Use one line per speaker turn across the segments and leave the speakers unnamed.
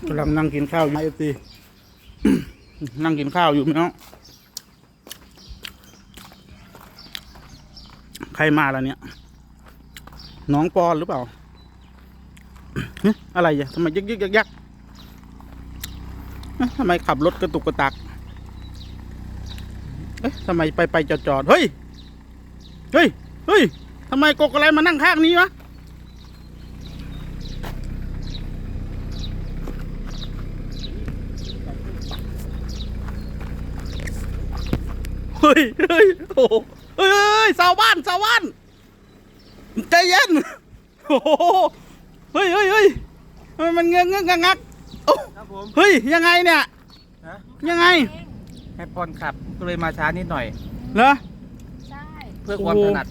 กำลังนั่งกินข้าวอยู่FT นั่งกินข้าวอยู่พี่น้องใครมาแล้วเนี่ยน้องปอนหรือเปล่าอะไรอ่ะทำไมยักทำไมขับรถกระตุกกระตักทำไมไปจอดเฮ้ยทำไมกกอะไรมานั่งข้างนี้วะเฮ้ยโอ้เฮ้ยชาวบ้านใจเย็นโอ้เฮ้ยมันเงื้องักโอ้เฮ้ยยังไงเนี่ยยังไง
ให้ปอนขับก็เลยมาช้านิดหน่อย
เหรอ
ใช่
เพื่อความถนัด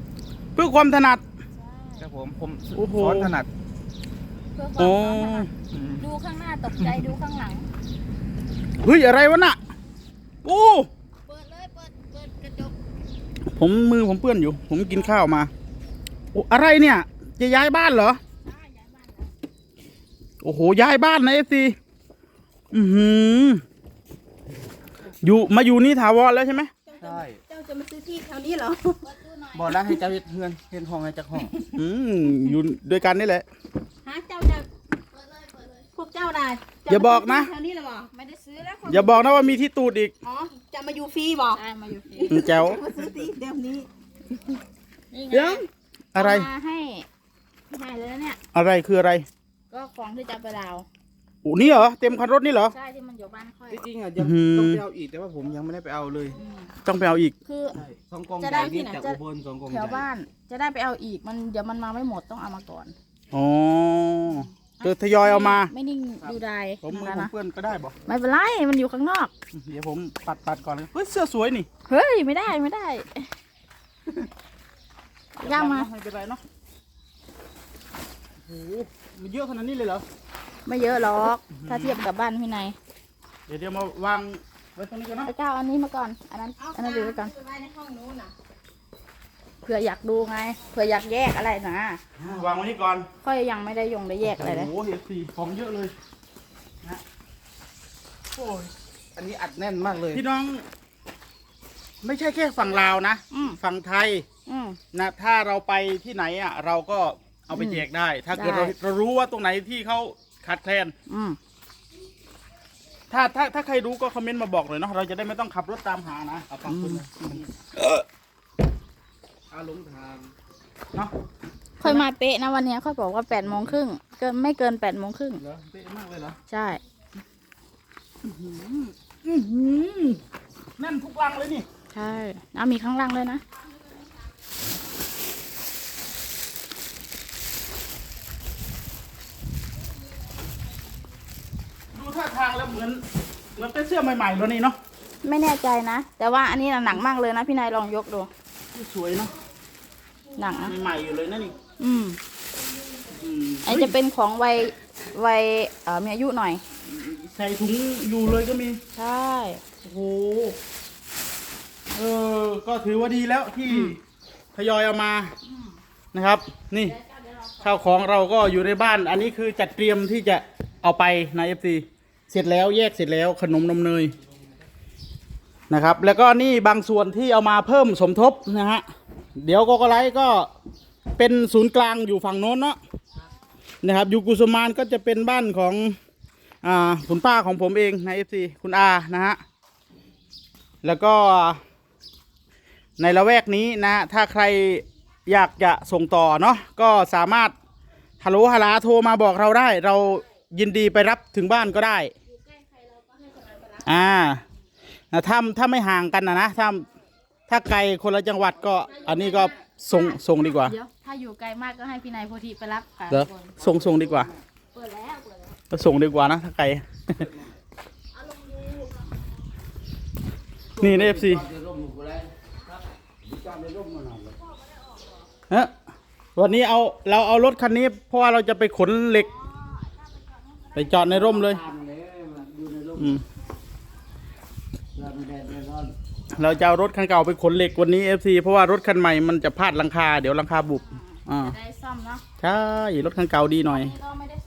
ครับผมซ้อนถนัด
เพื่อความถนัดดูข้างหน้าตกใจดูข้างหลัง
เฮ้ยอะไรวะน่ะโอ้
เปิดเลยเปิดกระจก
มือผมเปื้อนอยู่ผมกินข้าวมาโอ้อะไรเนี่ยจะย้ายบ้านเหรอ
ย้ายบ้าน
โอ้โหย้ายบ้านนะFTมาอยู่นี่ถาวรแล้วใช่ไหม
ใช่
เจ้าจะมาซื้อที่แถวนี้เหรอ
บอกแล้วให้เจ้าเฮ็ดห้องให้เจ้าห้อง
อยู่ด้วยกันนี่แหละ
ฮะเจ้าจะเปิดเลยพวกเจ้าได้
อย่าบอกนะ
แถวนี้หรอไม่ได้ซื้อแล้ว
อย่าบอกนะว่ามีที่ตูดอีก
อ๋อจะมาอยู่ฟรีบอกใช่มาอยู่ฟรี
แจ๋ว
มาซื้อที่เดี๋ยวนี้
เดี๋ยวอะไร
ให้เลยเนี่ย
อะไรคืออะไร
ก็ของที่จะไปดาว
โอ้นี่เหรอเต็มคันรถนี่เหรอ
ใช่ที่มันอยู่บ้านค่อย
จริงๆยังต้องไปเอาอีกแต่ว่าผมยังไม่ได้ไปเอาเลย
ต้องไปเอาอีก
คือ
2 กองใหญ่นี่จากอุบล2 กองใหญ่
แถวบ้านจะได้ไปเอาอีกมันเดี๋ยวมันมาไม่หมดต้องเอามาก่อน
อ๋อทยอยเอามา
ไม่นิ่งดูได้
ผมเพื่อนก็ได้บอก
ไม่เป็นไรมันอยู่ข้างนอก
เดี๋ยวผมปัดก่อนเลยเฮ้ยเสื้อสวยนี่
เฮ้ยไม่ได้ย่างมา
ไม่เป็นไรเนาะโอ้โหมันเยอะขนาดนี้เลยเหรอ
ไม่เยอะหรอกถ้าเทียบกับบ้านพี่นาย
เดี๋ยวมาวางไว้ตรงนี้ก่อนนะ
ไปก้าวอันนี้มาก่อนอันนั้นดูไว้ก่อนเผื่ออยากดูไงเผื่ออยากแยกอะไรนะ
วางไว้นี่ก่อน
ค่อยยังไม่ได้ได้แยกอะไรเลย
โอ้โหFTของเยอะเลยนะ
โอ้ยอันนี้อัดแน่นมากเลย
พี่น้องไม่ใช่แค่ฝั่งลาวนะฝั่งไทยนะถ้าเราไปที่ไหนอ่ะเราก็เอาไปแจกได้ถ้าเกิดเรารู้ว่าตรงไหนที่เขาขาดแคลนถ้าใครรู้ก็คอมเมนต์มาบอกเลยเนาะเราจะได้ไม่ต้องขับรถตามหานะขอบคุณ
อาลงทาง
เนาะ
ค่อยมาเป๊ะนะวันนี้ค่อยบอกว่า8:30ไม่เกิน8:30
เหรอเป๊ะมากเลยเหรอ
ใช่
แน่นทุกรังเลยนี่
ใช่มีข้างล่างเลยนะ
ดูท่าทางแล้วเหมือนเป็นเสื้อใหม่ๆแล้วนี่เนาะ
ไม่แน่ใจนะแต่ว่าอันนี้หนักมากเลยนะพี่นายลองยกดู
สวยเนาะ
หนัง
ใหม่อยู่เลยนะนี่
ไอจะเป็นของวัยมีอายุหน่อย
ใส่ถุงอยู่เลยก็มี
ใช่
โอ้โหก็ถือว่าดีแล้วที่ทยอยเอามานะครับนี่ข้าวของเราก็อยู่ในบ้านอันนี้คือจัดเตรียมที่จะเอาไปในFTเสร็จแล้วแยกเสร็จแล้วขนมนมเนยนะครับแล้วก็นี่บางส่วนที่เอามาเพิ่มสมทบนะฮะเดี๋ยวก็ไลท์ก็เป็นศูนย์กลางอยู่ฝั่งโน้นเนาะนะครับอยู่กุสุมานก็จะเป็นบ้านของคุณป้าของผมเองในFTคุณอานะฮะแล้วก็ในละแวกนี้นะถ้าใครอยากจะส่งต่อเนาะก็สามารถฮัลโหลฮัลโทรมาบอกเราได้เรายินดีไปรับถึงบ้านก็ได้ถ้าไม่ห่างกันนะถ้าไกลคนละจังหวัดก็อันนี้ก็ส่งดีกว่า
เดี๋ยวถ้าอยู่ไกลมากก็ให้พี่นายโพธิไปรับค่ะ
ส่งดีกว่า
เปิดแล้ว
ก็ส่งดีกว่านะถ้าไกลนี่ในFTวันนี้เราเอารถคันนี้เพราะว่าเราจะไปขนเหล็กไปจอดในร่มเลยเราจะเอารถคันเก่าไปขนเหล็กวันนี้FTเพราะว่ารถคันใหม่มันจะพลาดหลังคาเดี๋ยวหลังคาบุบ
ได้ซ่อมเนาะ
ใช่รถคันเก่าดีหน่อย
ก็ไม่ได้ซ่อมหรอกร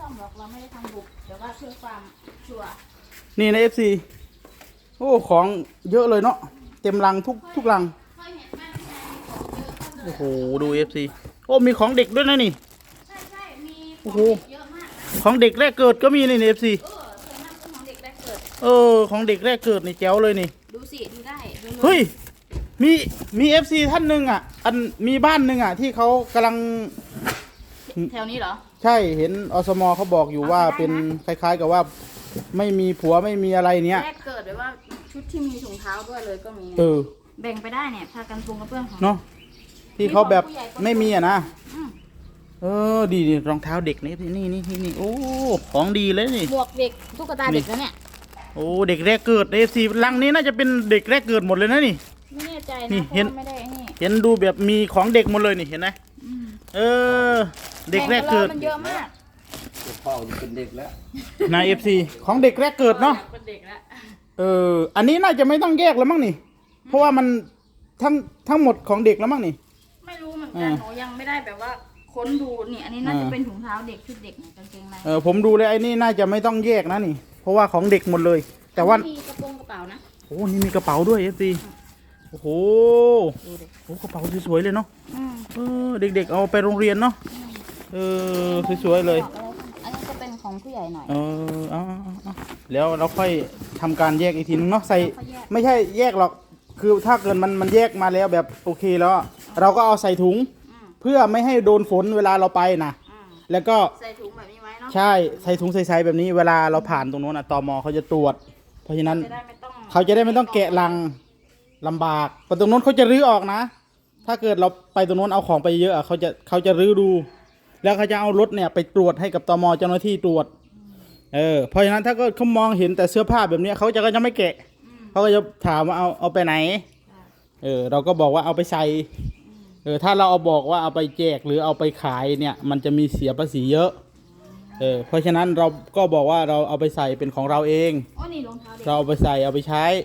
เราไม่ได้ทำบุกแต่ว่าเพื่อความชัวร์
นี่ใน FC โอ้ของเยอะเลยเนาะเต็มลังทุกลัง
เคยเห็นบ้านที่ไหนมีของเยอะก็เลย
โอ้โหดู FC โอ้มีของเด็กด้วยนะนี่
ใช่มีข
โอ้
อง
โห
เด็กเยอะมากนะ
ของเด็กแรกเกิดก็มีใน FC
ส่วนมากเป็นของเด็กแรกเกิด
ของเด็กแรกเกิดนี่แจ๋วเลยนี่
ดูสิดูได้ดูล
เฮ้ยมี FC ท่านหนึ่งอ่ะมีบ้านหนึ่งอ่ะที่เขากำลัง
แถวนี้เหรอ
ใช่เห็นอสมเขาบอกอยู่ว่า
เอาไปได้นะ
เป็นคล้ายๆกับว่าไม่มีผัวไม่มีอะไรเนี้ย
แรกเกิดแบบว่าชุดที่มีถุงเท้าด้วยเลยก็มี แบ่งไปได้เนี่ยพากันปรุงกระเบื้องของ
เนาะที่เขาแบบ
มีของผู้ใหญ่ก็
ไม่มีอ่ะนะ
อืม
ดีรองเท้าเด็กนี่โอ้ของดีเลยนี่
หมวกเด็กตุ๊กตาเด็กแล้วเนี่ย
โอ้เด็กแรกเกิดFC ลังนี้น่าจะเป็นเด็กแรกเกิดหมดเลยนะนี่
ไม่แน่ใจ
นี่
นะเพ
เห็น
ราะว่าไม่ได้นี่
เห็นดูแบบมีของเด็กหมดเลยนี่เห็นไหม
อืม
เด็กแรกเกิด
แบ่งไปแล้วมันเยอะมาก
พ่อจะเป็นเด็กแล้ว
นาย FC ของเด็กแรกเกิดเนาะ
เป็นเด็กแล้ว
อันนี้น่าจะไม่ต้องแยกแล้วมั้งนี่ เพราะว่ามันทั้งหมดของเด็กแล้วมั้งนี่
ไม่รู้เหมือนกันหนูยังไม่ได้แบบว่าค้นดูนี่อันนี้น่าจะเป็นถุงเท้าเด็กชุดเด็กเนี่ยกางเกงใน
ผมดูเลยไอ้นี่น่าจะไม่ต้องแยกนะนี่ เพราะว่าของเด็กหมดเลย แต่ว่า
มีกระโปรงกระเป๋านะ
โอ้นี่มีกระเป๋าด้วย FC โอ้โห
ดูดิ
โอ้กระเป๋าสวยๆเลยเนาะ
อืม
เด็กๆเอาไปโรงเรียนเนาะสวยๆเลย
อันนี้จะเป็นของผู้ใหญ่หน่อย
เอาแล้วเราค่อยทำการแยกอีกทีนึงเนาะใส่
ค่อยแยก
ไม่ใช่แยกหรอกคือถ้าเกิดมันแยกมาแล้วแบบโอเคแล้ว เราก็เอาใส่ถุง
อืม
เพื่อไม่ให้โดนฝนเวลาเราไปนะ
อืม
แล้วก็
ใส่ถุงแบบนี้ไว้เนาะ
ใช่ใส่ถุงใส่ๆแบบนี้เวลาเราผ่านตรงโน้นตมเขาจะตรวจ เพราะฉะนั้น
จะได้ไม่ต้อง
เขาจะได้ไม่ต้องแกะลังลำบากแต่ตรงโน้นเขาจะรื้อออกนะ ถ้าเกิดเราไปตรงโน้นเอาของไปเยอะอะเขาจะรื้อดู แล้วเขาจะเอารถเนี่ยไปตรวจให้กับตมเจ้าหน้าที่ตรวจ เพราะฉะนั้นถ้าก็เขามองเห็นแต่เสื้อผ้าแบบนี้เขาก็จะไม่แกะ เขาก็จะถามว่าเอาไปไหน เราก็บอกว่าเอาไปใส่ ถ้าเราเอาบอกว่าเอาไปแจกหรือเอาไปขายเนี่ยมันจะมีเสียภาษีเยอะ เพราะฉะนั้นเราก็บอกว่าเราเอาไปใส่เป็นของเราเอง
โอ้นี่รองเท้าเด็ก
เราเอาไปใส่เอาไปใช้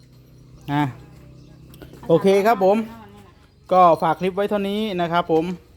โอเคครับผม ก็ฝากคลิปไว้เท่านี้นะครับผม